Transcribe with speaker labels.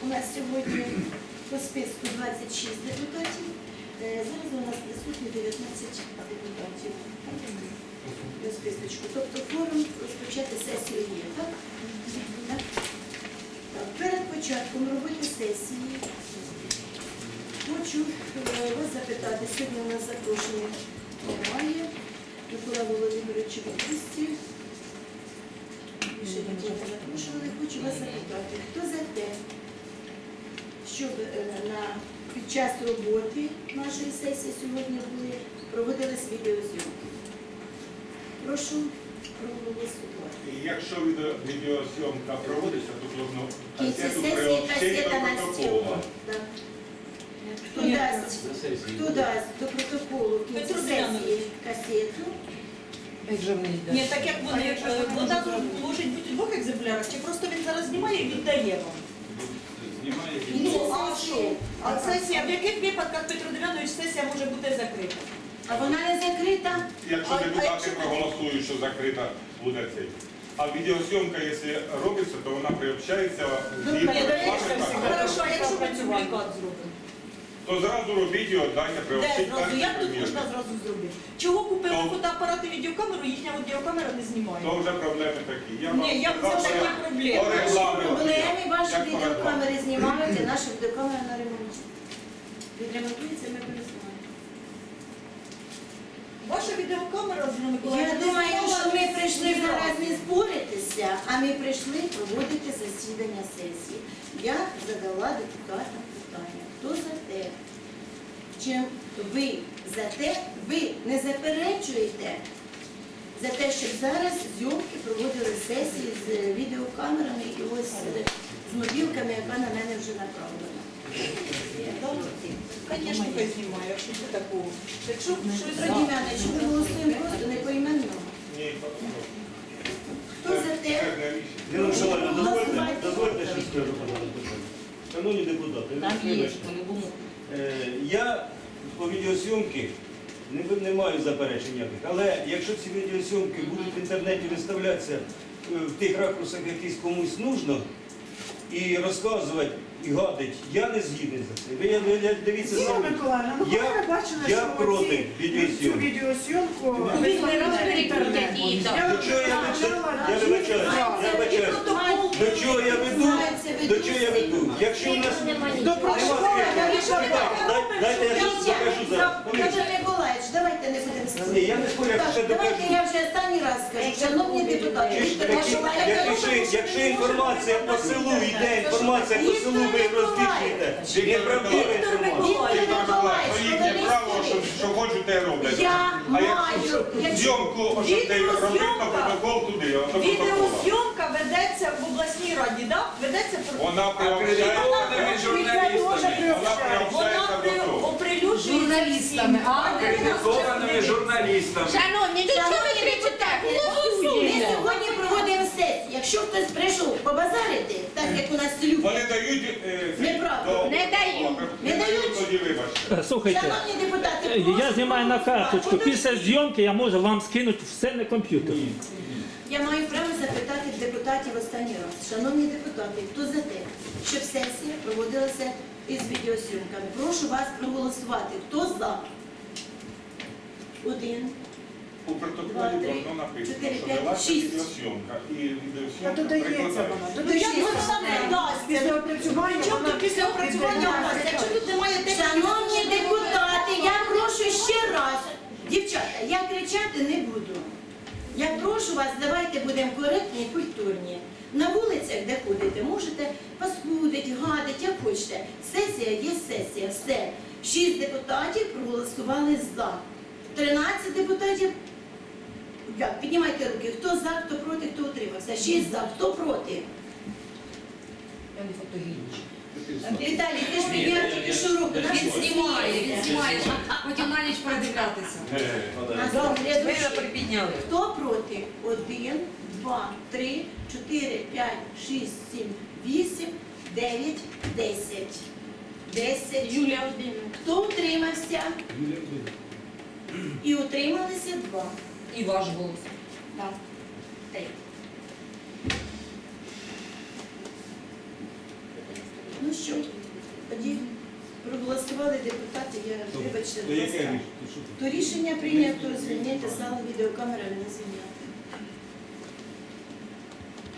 Speaker 1: У нас сьогодні по списку 26 депутатів. Зараз у нас присутні 19 депутатів. До списочку. Тобто форум розпочати сесію є, так? Так? Так. Перед початком роботи сесії хочу вас запитати. Сьогодні у нас запрошення немає. Микола Володимирович у відпустці. Більше нікого не запрошували. Хочу вас запитати, хто за те, щоб під час роботи нашої сесії сьогодні проводились відеозйомки? Прошу проголосувати.
Speaker 2: Якщо відеозйомка проводиться, то потрібно
Speaker 1: В кінці
Speaker 2: касету
Speaker 1: сесії
Speaker 2: приобщити
Speaker 1: касета
Speaker 2: до
Speaker 1: на стіл.
Speaker 2: протоколу.
Speaker 1: Так. Хто дасть до протоколу в кінці сесії касету?
Speaker 3: Ні, так як вона може бути у двох екземплярах, чи просто він зараз знімає і віддає вам?
Speaker 2: Знімає
Speaker 3: Ну, а що? А сесія, в яких випадках, Петро Дем'янович, сесія може бути закрита?
Speaker 1: А вона не закрита?
Speaker 2: Якщо депутати проголосують, що закрита буде цей. А відеозйомка, якщо робиться, то вона приобщається згідно регламенту.
Speaker 3: Хорошо, а якщо ми дублікат зробимо?
Speaker 2: То зразу робіть і віддайте,
Speaker 3: Де
Speaker 2: приобщити
Speaker 3: зразу?
Speaker 2: перший
Speaker 3: Як тут
Speaker 2: примірник.
Speaker 3: можна зразу зробити? Чого купили
Speaker 2: То-
Speaker 3: фотоапарат і відеокамеру, їхня відеокамера не знімає?
Speaker 2: То вже проблеми такі.
Speaker 3: Ні, як це
Speaker 2: сказав,
Speaker 3: такі
Speaker 2: що
Speaker 3: проблеми?
Speaker 2: по регламенту.
Speaker 1: Проблеми ваші
Speaker 2: Як по
Speaker 1: відеокамери знімають, а наша відеокамера на ремонті. Відремонтується, ми пересуваємо.
Speaker 3: Ваша відеокамера, Зіна Миколаївна,
Speaker 1: Я
Speaker 3: не
Speaker 1: думаю,
Speaker 3: знімала,
Speaker 1: що ми
Speaker 3: не
Speaker 1: прийшли
Speaker 3: знімала.
Speaker 1: зараз не споритися, а ми прийшли проводити засідання сесії. Я задала депутатам питання. Хто за те? Чим ви за те, ви не заперечуєте за те, щоб зараз зйомки проводили сесії з відеокамерами і ось з мобілками, яка на мене вже направлена.
Speaker 3: Звісно, хай знімає, якщо це такого. Якщо щось
Speaker 1: Раді мене, що ми голосуємо просто не поіменно.
Speaker 2: Ні,
Speaker 1: Хто за те?
Speaker 2: це не рішення.
Speaker 4: Ліна Миколаївна, дозвольте, що скажу, пожалуйста. Шановні депутати, я по відеосйомки не маю заперечень ніяких, але якщо ці відеосйомки будуть в інтернеті виставлятися в тих ракурсах, якийсь комусь нужно, і розказувати, і гадить, я не згідний за це. Ви дивіться
Speaker 5: Зіна
Speaker 4: самі.
Speaker 5: Миколаївна, ну коли ви бачили,
Speaker 4: Я
Speaker 5: що
Speaker 4: проти
Speaker 5: цю
Speaker 4: відеосйомки.
Speaker 5: відеозйомку
Speaker 4: До чого я вибачаюсь, до чого я веду, до чого я веду. Якщо у нас...
Speaker 5: до протоколу,
Speaker 4: Дайте я щось покажу зараз.
Speaker 1: Петро Миколаївич, давайте не будемо
Speaker 4: Ні,
Speaker 1: спорити.
Speaker 4: я не спорю, я ще
Speaker 1: Так, давайте
Speaker 4: докажу.
Speaker 1: я вже останній раз скажу. Шановні депутати,
Speaker 4: Якщо інформація по селу йде, інформація по селу ви розвішуєте, неправдива інформація.
Speaker 1: Віктор Миколаївич,
Speaker 2: То їхнє право, що хочуть, те роблять.
Speaker 1: Я
Speaker 2: А якщо
Speaker 1: маю,
Speaker 2: зйомку, щоб те робити, то протокол туди, а то протокол.
Speaker 3: відеозйомка ведеться в обласній раді, так? Ведеться
Speaker 2: Вона приобщається, вона приобщається до того.
Speaker 3: оприлюджується
Speaker 6: Журналістами,
Speaker 7: Акредитованими журналістами.
Speaker 6: Шановні, до чого ви кричите?
Speaker 1: Ми
Speaker 6: Голосуйте!
Speaker 1: сьогодні проводимо сесію. Якщо хтось прийшов побазарити, так як у нас люблять,
Speaker 2: Вони дають...
Speaker 1: Неправда.
Speaker 6: Не дають.
Speaker 1: Не дають.
Speaker 2: Тоді вибачте.
Speaker 8: Слухайте,
Speaker 1: шановні депутати,
Speaker 8: я знімаю на карточку. Після зйомки я можу вам скинути все на комп'ютер.
Speaker 1: я маю право запитати депутатів останній раз. Шановні депутати, хто за те, щоб сесія проводилася із відеозйомками? Прошу вас проголосувати. Хто за? 1.
Speaker 2: У протоколі воно написано,
Speaker 1: 4,
Speaker 2: що
Speaker 1: 5,
Speaker 2: велася
Speaker 1: 6.
Speaker 2: відеозйомка. І
Speaker 5: А
Speaker 2: відеозйомка
Speaker 5: додається
Speaker 2: прикладається.
Speaker 5: вона,
Speaker 3: Ну, як
Speaker 5: додається.
Speaker 3: вона нам не дасть?
Speaker 5: Після опрацювання
Speaker 3: Чому
Speaker 5: вона
Speaker 3: тут після опрацювання у нас? Якщо тут немає техніки...
Speaker 1: Шановні депутати, я прошу ще раз. Дівчата, я кричати не буду. Я прошу вас, давайте будемо коректні і культурні. На вулицях, де ходите, можете паскудити, гадити, як хочете. Сесія є сесія, все. 6 депутатів проголосували за. 13 депутатів. Як? Піднімайте руки. Хто за, хто проти, хто утримався. 6 за, хто проти?
Speaker 6: Я не фотогенічна.
Speaker 1: Віталій, ти ж підняв тільки що руку.
Speaker 6: Він знімає, потім на ніч передивлятися.
Speaker 1: Наступний
Speaker 6: Ви припідняли.
Speaker 1: Хто проти? 1, 2, 3, 4, 5, 6, 7, 8, 9, 10. 10. Юлія Володимирівна. Хто утримався? І утрималися 2.
Speaker 6: І ваш голос.
Speaker 1: Так. 3. Ну що? Тоді проголосували депутати, я вибачте,
Speaker 4: То
Speaker 1: будь
Speaker 4: яке
Speaker 1: ласка.
Speaker 4: рішення?
Speaker 1: То рішення прийнято звільнити залу відеокамерами, не звільняти.